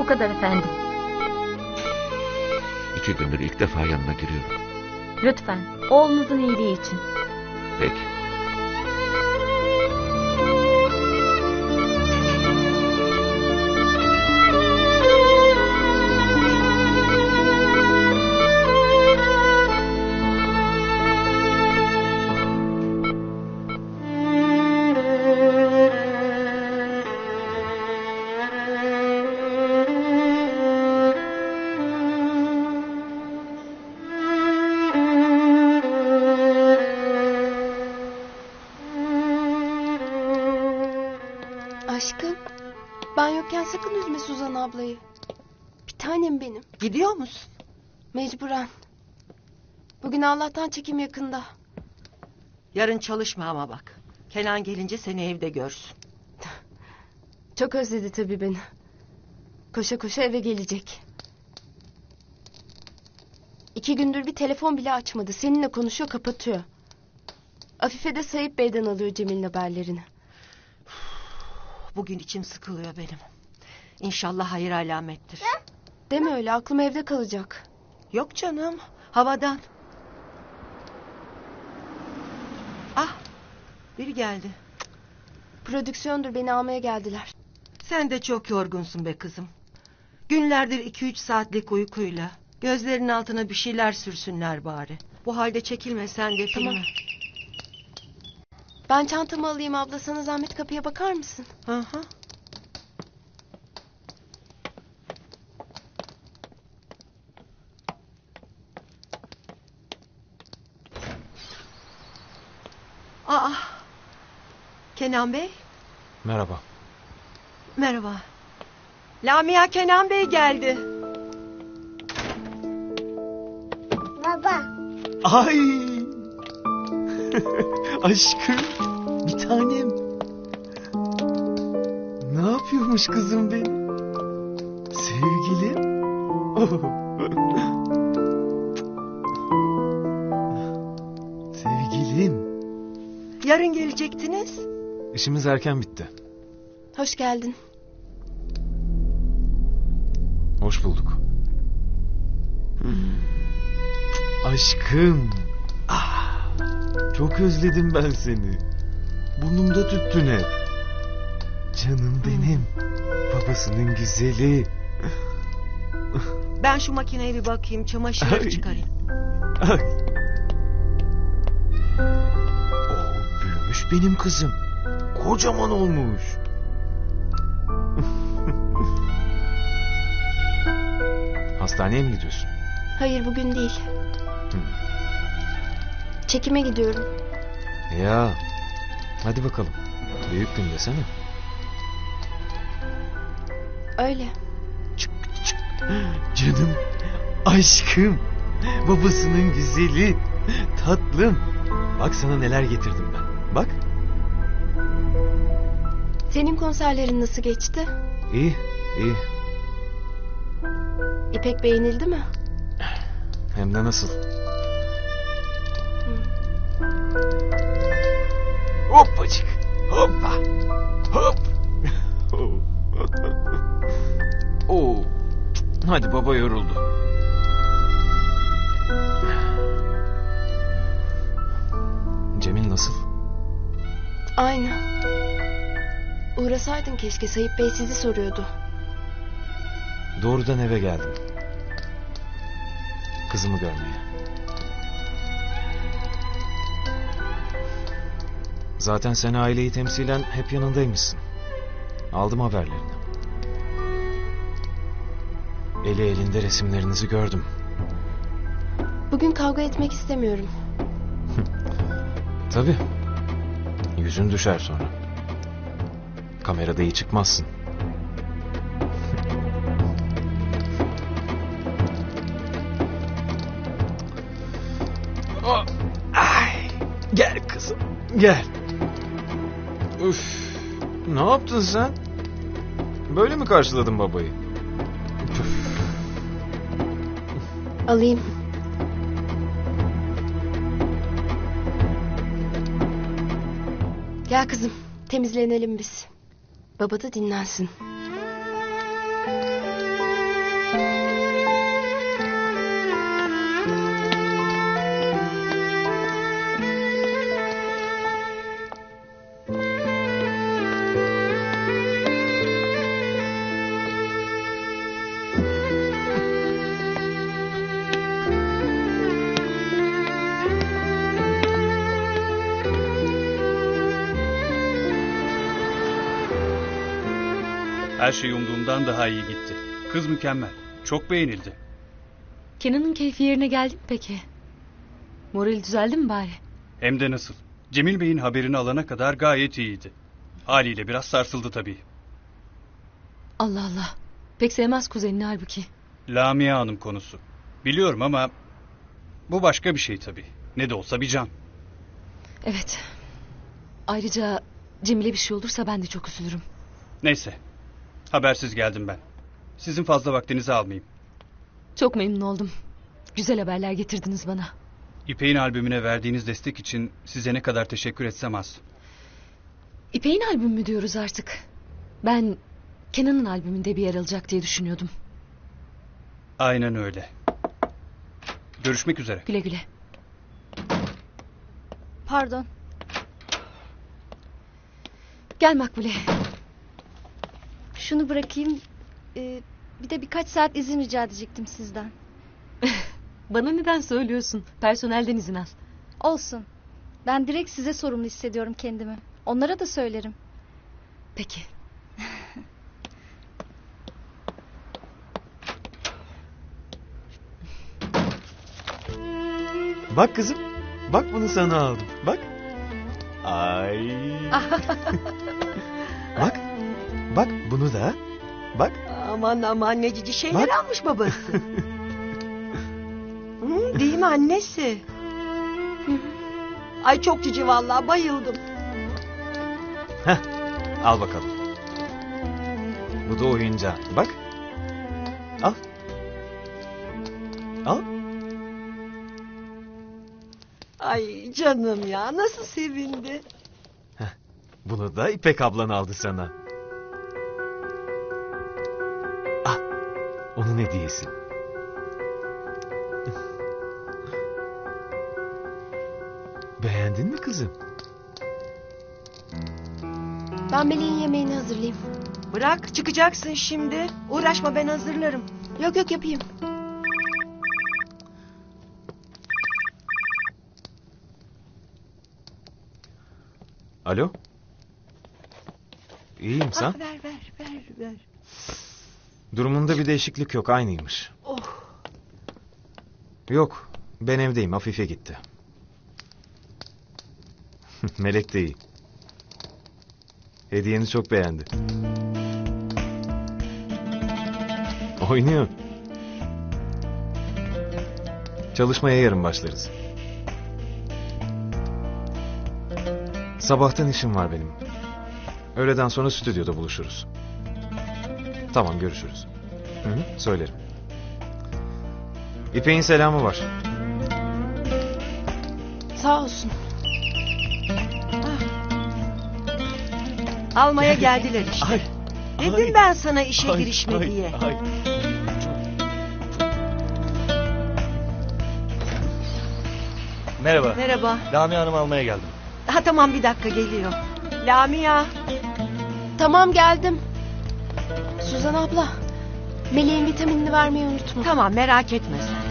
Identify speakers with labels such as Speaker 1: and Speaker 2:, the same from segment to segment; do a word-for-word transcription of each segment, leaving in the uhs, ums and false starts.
Speaker 1: kadar efendim.
Speaker 2: İki gündür ilk defa yanına giriyorum.
Speaker 1: Lütfen, oğlunuzun iyiliği için.
Speaker 2: Peki.
Speaker 3: Aşkım, ben yokken sakın üzme Suzan ablayı. Bir tanem benim.
Speaker 4: Gidiyor musun?
Speaker 3: Mecburen. Bugün Allah'tan çekim yakında.
Speaker 4: Yarın çalışma ama bak. Kenan gelince seni evde görsün.
Speaker 3: Çok özledi tabii beni. Koşa koşa eve gelecek. İki gündür bir telefon bile açmadı. Seninle konuşuyor, kapatıyor. Afife de Sayıp Bey'den alıyor Cemil'in haberlerini.
Speaker 4: Bugün içim sıkılıyor benim. İnşallah hayır alamettir.
Speaker 3: Deme öyle, aklım evde kalacak.
Speaker 4: Yok canım, havadan. Ah, biri geldi.
Speaker 3: Prodüksiyondur, beni almaya geldiler.
Speaker 4: Sen de çok yorgunsun be kızım. Günlerdir iki üç saatlik uykuyla. Gözlerinin altına bir şeyler sürsünler bari. Bu halde çekilme sen de filme.
Speaker 3: Tamam. Ben çantamı alayım abla, sana zahmet kapıya bakar mısın?
Speaker 4: Hı hı. Aa, Kenan Bey.
Speaker 5: Merhaba.
Speaker 4: Merhaba. Lamia, Kenan Bey geldi.
Speaker 6: Baba.
Speaker 5: Ay! Aşkım, bir tanem. Ne yapıyormuş kızım benim? Sevgilim. Oh. Sevgilim.
Speaker 4: Yarın gelecektiniz.
Speaker 5: İşimiz erken bitti.
Speaker 3: Hoş geldin.
Speaker 5: Hoş bulduk. Aşkım. Ah, çok özledim ben seni. Burnumda tüttün hep. Canım benim. Babasının güzeli.
Speaker 4: Ben şu makineye bir bakayım, çamaşırları
Speaker 5: Ay.
Speaker 4: çıkarayım.
Speaker 5: Ay. O büyümüş benim kızım. Kocaman olmuş. Hastaneye mi gidiyorsun?
Speaker 3: Hayır, bugün değil. Çekime gidiyorum.
Speaker 5: Ya. Hadi bakalım. Büyük gün desene.
Speaker 3: Öyle.
Speaker 5: Çık çık. Canım. Aşkım. Babasının güzeli. Tatlım. Bak sana neler getirdim ben. Bak.
Speaker 3: Senin konserlerin nasıl geçti?
Speaker 5: İyi, iyi.
Speaker 3: İpek beğenildi mi?
Speaker 5: Hem de nasıl? Hoppacık. Hoppa. Hop. Oo. Hadi baba yoruldu. Cemil nasıl?
Speaker 3: Aynı. Uğrasaydın keşke, Sayıp Bey sizi soruyordu.
Speaker 5: Doğrudan eve geldim. Kızımı görmeye. Zaten sen aileyi temsilen hep yanındaymışsın. Aldım haberlerini. Eli elinde resimlerinizi gördüm.
Speaker 3: Bugün kavga etmek istemiyorum.
Speaker 5: Tabii. Yüzün düşer sonra. Kamerada iyi çıkmazsın. Oh, ay, gel kızım, gel. Üf, ne yaptın sen? Böyle mi karşıladın babayı? Üf.
Speaker 3: Alayım. Gel kızım, temizlenelim biz. Baba da dinlensin.
Speaker 7: Her şey umduğumdan daha iyi gitti. Kız mükemmel. Çok beğenildi.
Speaker 1: Kenan'ın keyfi yerine geldi mi peki? Morali düzeldi mi bari?
Speaker 7: Hem de nasıl. Cemil Bey'in haberini alana kadar gayet iyiydi. Haliyle biraz sarsıldı tabii.
Speaker 1: Allah Allah. Pek sevmez kuzenini halbuki.
Speaker 7: Lamia Hanım konusu. Biliyorum ama bu başka bir şey tabii. Ne de olsa bir can.
Speaker 1: Evet. Ayrıca Cemile bir şey olursa ben de çok üzülürüm.
Speaker 7: Neyse. Habersiz geldim ben. Sizin fazla vaktinizi almayayım.
Speaker 1: Çok memnun oldum. Güzel haberler getirdiniz bana.
Speaker 7: İpek'in albümüne verdiğiniz destek için size ne kadar teşekkür etsem az.
Speaker 1: İpek'in albümü mü diyoruz artık? Ben Kenan'ın albümünde bir yer alacak diye düşünüyordum.
Speaker 7: Aynen öyle. Görüşmek üzere.
Speaker 1: Güle güle.
Speaker 8: Pardon.
Speaker 1: Gel Makbule.
Speaker 8: Şunu bırakayım. Ee, bir de birkaç saat izin rica edecektim sizden.
Speaker 1: Bana neden söylüyorsun? Personelden izin al.
Speaker 8: Olsun. Ben direkt size sorumlu hissediyorum kendimi. Onlara da söylerim.
Speaker 1: Peki.
Speaker 5: Bak kızım. Bak bunu sana aldım. Bak. Ay. Bak. Bak bunu da. Bak.
Speaker 4: Aman aman ne cici şeyler
Speaker 5: Bak.
Speaker 4: almış babası. Hı, değil mi annesi? Ay çok cici vallahi bayıldım.
Speaker 5: Heh. Al bakalım. Bu da oyuncağı. Bak. Al. Al.
Speaker 4: Ay canım ya nasıl sevindi.
Speaker 5: Bunu da İpek ablan aldı sana. Ah. Onun hediyesi. Beğendin mi kızım?
Speaker 3: Ben Melih'in yemeğini hazırlayayım.
Speaker 4: Bırak çıkacaksın şimdi. Uğraşma ben hazırlarım.
Speaker 3: Yok yok yapayım.
Speaker 5: Alo? İyiyim sen?
Speaker 4: Ah, ver ver ver ver.
Speaker 5: Durumunda bir değişiklik yok, aynıymış.
Speaker 4: Oh.
Speaker 5: Yok, ben evdeyim, Afife gitti. Melek de iyi. Hediyeni çok beğendi. Oynuyor. Çalışmaya yarın başlarız. Sabahtan işim var benim. Öğleden sonra stüdyoda buluşuruz. Tamam, görüşürüz. Hı hı, söylerim. İpek'in selamı var.
Speaker 3: Sağ olsun.
Speaker 4: Almaya geldiler işte.
Speaker 5: Ay,
Speaker 4: Dedim
Speaker 5: ay,
Speaker 4: ben sana işe
Speaker 5: ay,
Speaker 4: girişme
Speaker 5: ay,
Speaker 4: diye.
Speaker 5: ay.
Speaker 9: Merhaba.
Speaker 4: Merhaba.
Speaker 9: Lamia Hanım almaya geldim.
Speaker 4: Ha tamam bir dakika geliyor. Lamia.
Speaker 3: Tamam geldim. Suzan abla. Melih'in vitaminini vermeyi unutma.
Speaker 4: Tamam merak etme sen.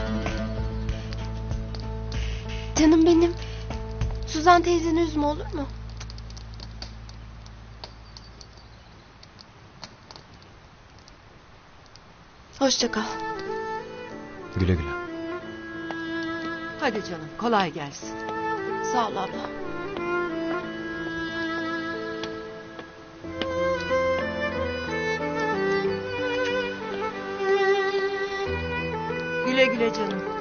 Speaker 3: Canım benim. Suzan teyzeni üzme olur mu? Hoşça kal.
Speaker 5: Güle güle.
Speaker 4: Hadi canım kolay gelsin.
Speaker 3: Sağ ol abla.
Speaker 4: Güle güle canım.